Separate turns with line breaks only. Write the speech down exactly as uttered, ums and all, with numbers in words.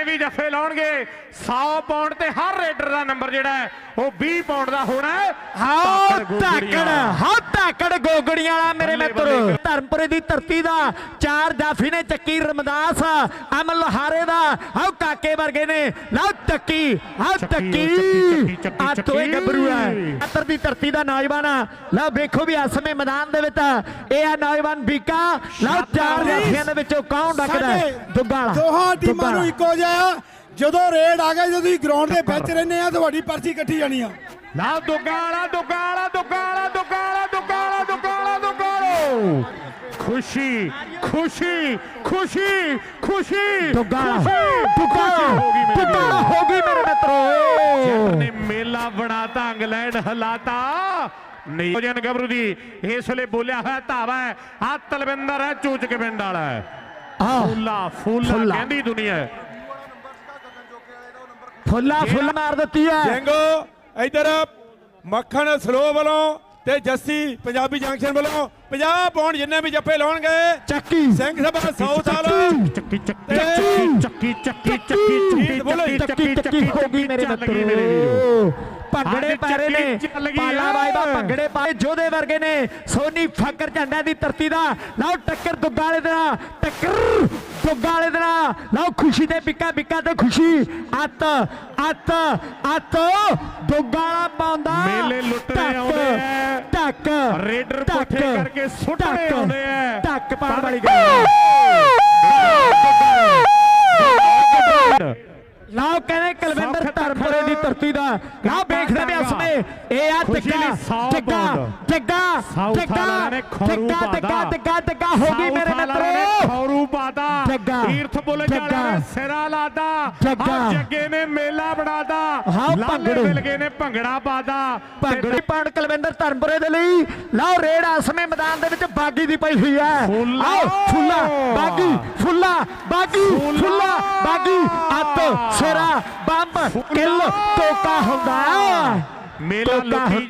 भी जफे लाउणगे सौ पाउंड ते हर रेडर का नंबर जिहड़ा है वो बीस पाउंड का होना है।
हाँ धाकड़ हाँ धाकड़ गोगड़ियां वाला मेरे मित्र धर्मपुरे की धरती का चार जाफी ने चक्की रमदास अमन लोहारे का हाँ काके वर्गे ने लो चक्की हाँ चक्की आ तो एक गबरू है अतर की धरती का नौजवान लो देखो भी इस समय मैदान दे विच यह नौजवान बीका लो चार जाफियां दे विचों कौन डकदा है दुग्गा
दोहां टीमां नूं इक्को जिहा ਜਦੋਂ ਰੇਡ ਆ ਗਏ ਜਦੋਂ ਗਰਾਊਂਡ ਦੇ ਵਿੱਚ ਰਹਿੰਦੇ ਆ ਤੁਹਾਡੀ ਪਰਚੀ ਇਕੱਠੀ ਜਾਣੀ ਆ।
ਲਾ ਦੁਗਾਲਾ ਦੁਗਾਲਾ ਦੁਗਾਲਾ ਦੁਗਾਲਾ ਦੁਗਾਲਾ ਦੁਗਾਲਾ ਦੁਗਾਲੋ खुशी खुशी खुशी खुशी
दुगला दुगला दुगला होगी मेरे मित्रों
ने मेला बनाता इंग्लैंड हलाता नियोजन गबरू दी इस वे बोलिया है धावा है आ तलविंदर है चूच के पिंड वाला है फूला फूला कहती दुनिया
फुला फुल मार दी है
जंगो इधर मक्खन सलो वालों ते जस्सी पंजाबी जंक्शन वालों पचास पाउंड जिन्ने भी जफे लाउण गए
चक्की
सिंह सभा साउथ वाला
चक्की चक्की चक्की चक्की चक्की
चक्की चक्की होगी मेरे मित्रों भंगड़े पैरे ने पाला वायदा भंगड़े पाए जोधे वर्गे ने सोनी फकर झंडा दी धरती दा लाओ टक्कर दुग्गा वाले दा टक्कर दुग्गा वाले दा लाओ खुशी दे बिका बिका ते खुशी अत अत अत दुग्गा वाला पाउंदा
मेले लुटने आउंदे हैं
टक
रेडर पुठे करके सुटने आउंदे हैं
टक पाण वाली गल लाओ कहने कलविंदर धर्मपुरे की धरती का लाओ देखते भी इसमें ए आ टिक्का टिक्का टिक्का टिक्का टिक्का टिक्का टिक्का टिक्का होगी मेरे मित्रों
खौरू पाता तीर्थ बुल जाले ने सिरा लादा जग्गे ने मेला बनादा लाले मिलगे ने भंगड़ा पादा
भंगड़ी पाण कलविंदर धर्मपुरे दे लई लाओ रेड इसमें मैदान दे विच बागी दी पई हुई है आओ फुल्ला बागी फुल्ला बागी फुल्ला बागी अत सिरा बंब किल टोका हुंदा
मेला लुटी